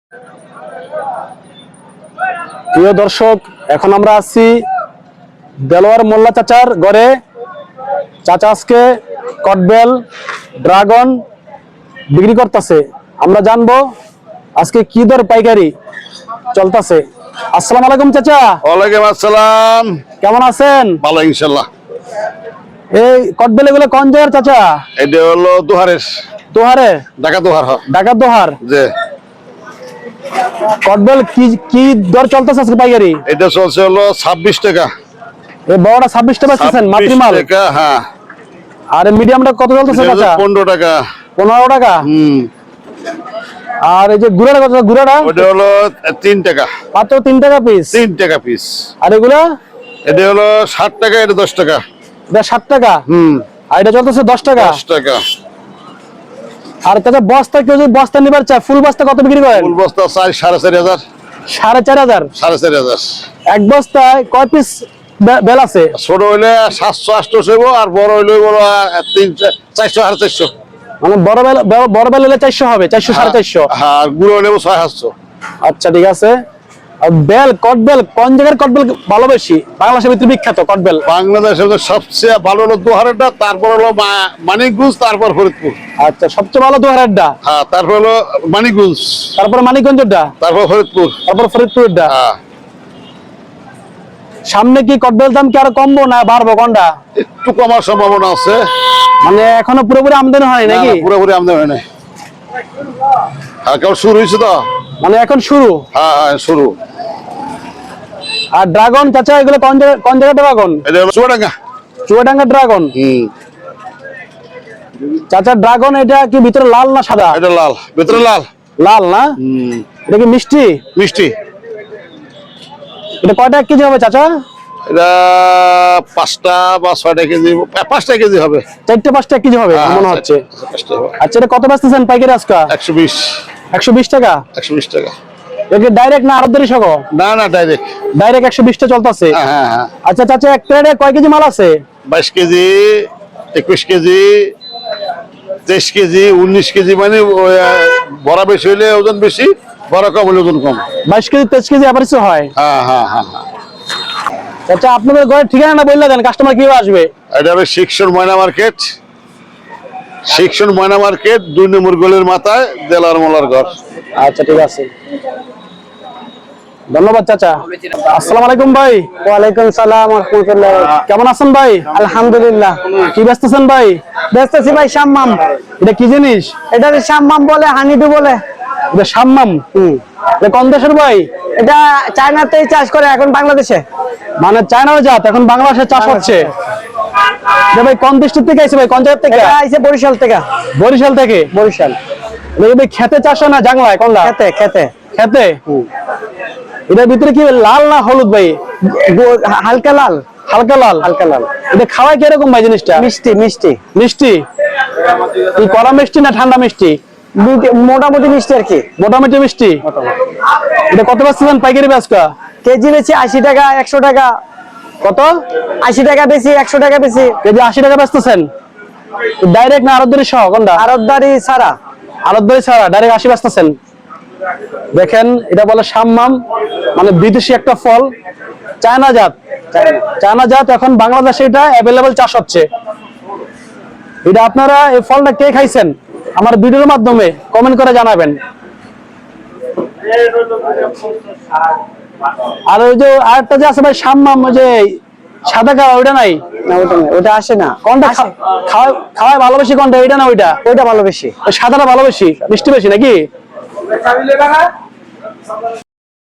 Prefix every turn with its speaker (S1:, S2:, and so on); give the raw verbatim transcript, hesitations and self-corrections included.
S1: প্রিয় দর্শক, এখন আমরা আছি দেলোয়ার মোল্লা চাচার ঘরে। চাচা আজকে কটবেল, ড্রাগন বিক্রি করতেছে। আমরা জানবো আজকে কি দর পাইকারি চলতেছে। আসসালামু আলাইকুম চাচা।
S2: ওয়ালাইকুম আসসালাম।
S1: কেমন আছেন?
S2: ভালো ইনশাআল্লাহ।
S1: এই কটবেল এগুলো কোন জায়গার চাচা?
S2: এটা হলো দোহারের।
S1: দোহারে?
S2: ঢাকা দোহার।
S1: ঢাকা দোহার।
S2: জি।
S1: কটবেল কি কি দর চলতেছে আজকে পাইকারি?
S2: এটা চলছে হলো ছাব্বিশ টাকা।
S1: এই বড়টা ছাব্বিশ টাকা বেচতেছেন মাতৃমাল?
S2: টাকা, হ্যাঁ।
S1: আর মিডিয়ামটা কত চলতেছে চাচা?
S2: পনেরো টাকা।
S1: পনেরো টাকা।
S2: হুম।
S1: আর এই যে গুড়াটা কত? গুড়াটা
S2: ওটা হলো তিন টাকা।
S1: মাত্র তিন টাকা পিস?
S2: তিন টাকা পিস।
S1: আর এগুলা?
S2: এটা হলো ষাট টাকা, এটা দশ টাকা।
S1: এটা ষাট টাকা।
S2: হুম।
S1: আর এটা চলতেছে দশ টাকা।
S2: দশ টাকা।
S1: আর চাচা বস্তা কেউ যদি বস্তা নিবার চায়, ফুল বস্তা কত বিক্রি করেন?
S2: ফুল বস্তা চার সাড়ে চারি হাজার।
S1: সাড়ে চার হাজার?
S2: সাড়ে চারি হাজার।
S1: এক বস্তায় কয় পিস বেল আছে?
S2: ছোট হইলে সাতশো আটশো হইব, আর বড় হইলে বড় তিন চারশো সাড়ে চারশো।
S1: মানে বড় বেল, বড় বেল হলে চারশো হবে, চারশো সাড়ে চারশো।
S2: হ্যাঁ, আর গুঁড়ো হইলে ছয় সাতশো।
S1: আচ্ছা ঠিক আছে। আর বেল, কটবেল কোন জায়গার কটবেল ভালো বেশি? বাংলাদেশের ভিতরে বিখ্যাত কটবেল।
S2: বাংলাদেশের সবচেয়ে ভালো হলো দোহারেরটা, তারপর হলো মানিকগঞ্জ, তারপর ফরিদপুর।
S1: আচ্ছা, সবচেয়ে ভালো দোহারেরটা।
S2: হ্যাঁ, তারপর হলো মানিকগঞ্জ,
S1: তারপর মানিকগঞ্জেরটা,
S2: তারপর ফরিদপুর,
S1: তারপর ফরিদপুরেরটা।
S2: হ্যাঁ।
S1: সামনে কি কটবেল দাম কি আরো কমবো না বাড়বো কোনটা?
S2: একটু কমার সম্ভাবনা আছে।
S1: মানে এখনো পুরোপুরি আমদানি হয় নাকি?
S2: পুরোপুরি আমদানি হয় নাই, হ্যাঁ, কেবল শুরু হয়েছে তো।
S1: মানে এখন শুরু?
S2: হ্যাঁ হ্যাঁ, শুরু।
S1: আর ড্রাগন চাচা এগুলো কোন জায়গা, কোন জায়গা ড্রাগন?
S2: এটা হলো চুয়াডাঙ্গা।
S1: চুয়াডাঙ্গা ড্রাগন।
S2: হুম।
S1: চাচা ড্রাগন এটা কি ভিতরে লাল না সাদা?
S2: এটা লাল, ভিতরে লাল।
S1: লাল না?
S2: হুম।
S1: এটা কি মিষ্টি?
S2: মিষ্টি।
S1: এটা কয়টা কেজি হবে চাচা?
S2: এটা পাঁচটা বা ছয়টা কেজি, পাঁচটা কেজি হবে।
S1: চারটে পাঁচটা কেজি হবে মনে হচ্ছে। আচ্ছা, এটা কত বেচতেছেন পাইকারি আজকে?
S2: একশো বিশ।
S1: একশো বিশ টাকা?
S2: একশো বিশ টাকা।
S1: এটা ডাইরেক্ট না আরবদারি সহ?
S2: না না, ডাইরেক্ট।
S1: ডাইরেক্ট একশো বিশ টা চলতেছে।
S2: হ্যাঁ হ্যাঁ।
S1: আচ্ছা চাচা, এক প্লেটে কয় কেজি মাল আছে?
S2: বাইশ কেজি, একুশ কেজি, তেইশ কেজি, উনিশ কেজি। মানে বড় বেশি হইলে ওজন বেশি, বড় কম হলে ওজন কম।
S1: বাইশ কেজি তেইশ কেজি এভারেজ হয়?
S2: হ্যাঁ হ্যাঁ হ্যাঁ।
S1: আচ্ছা, আপনাদের ঘরের ঠিকানা বললে দেন, কাস্টমার কিভাবে আসবে?
S2: এটা হবে শিক্ষণ ময়না মার্কেট। শিক্ষণ ময়না মার্কেট, দুই নম্বর গলির মাথায় দেলার মোলার ঘর।
S1: আচ্ছা ঠিক আছে, ধন্যবাদ চাচা। আসসালামু আলাইকুম ভাই।
S3: ওয়ালাইকুম সালাম ওয়া রাহমাতুল্লাহ।
S1: কেমন আছেন ভাই?
S3: আলহামদুলিল্লাহ।
S1: কি বেচতেছেন ভাই?
S3: বেচতেছি ভাই শাম্মাম।
S1: এটা কি জিনিস?
S3: এটা শাম্মাম বলে, হানিডু বলে।
S1: এটা শাম্মাম? হুম। এটা কোন দেশের ভাই?
S3: এটা চায়নাতেই চাষ করে, এখন বাংলাদেশে।
S1: মানে চায়নার জাত, এখন বাংলাদেশে চাষ হচ্ছে। এটা ভাই কোন দেশ থেকে আইছে ভাই? কোন জায়গা থেকে?
S3: এটা আইছে বরিশাল থেকে।
S1: বরিশাল থেকে?
S3: বরিশাল।
S1: এটা ভাই খেতে চাষ হয় না জাংলায়? কোনটা?
S3: খেতে খেতে
S1: খেতে। এটার ভিতরে কি লাল না হলুদ ভাই?
S3: হালকা লাল।
S1: হালকা লাল?
S3: হালকা লাল।
S1: এটা খাওয়ায় কিরকম ভাই জিনিসটা?
S3: মিষ্টি মিষ্টি
S1: মিষ্টি? কি কড়া মিষ্টি না ঠান্ডা মিষ্টি?
S3: মোটামুটি মিষ্টি আর কি।
S1: মোটামুটি মিষ্টি। এটা কত বেচছেন পাইকারি বেচকা?
S3: কেজি বেশি আশি টাকা, একশো টাকা।
S1: কত?
S3: আশি টাকা বেশি, একশো টাকা বেশি।
S1: কেজি আশি টাকা বেচতেছেন? ডাইরেক্ট না আরতদারি সহ কোনটা?
S3: আরতদারি ছাড়া।
S1: আরতদারি ছাড়া ডাইরেক্ট আশি বেচতেছেন। দেখেন, এটা বলে শাম্মাম, মানে বিদেশি একটা ফল, চায়না জাত। চায়না জাত, এখন বাংলাদেশে এটা অ্যাভেলেবল চাষ হচ্ছে। এটা আপনারা এই ফলটা কে খাইছেন আমার ভিডিওর মাধ্যমে কমেন্ট করে জানাবেন। আর ওই যে আরেকটা যে আছে ভাই শাম্মাম, ওই যে সাদা কালার, ওইটা নাই?
S3: না, ওটা না, ওটা আসে না।
S1: কোনটা খাওয়া খাওয়ায় ভালোবেসি? কোনটা, এটা না ওইটা?
S3: ওইটা ভালো বেশি।
S1: ওই সাদাটা ভালো বেশি, মিষ্টি বেশি নাকি?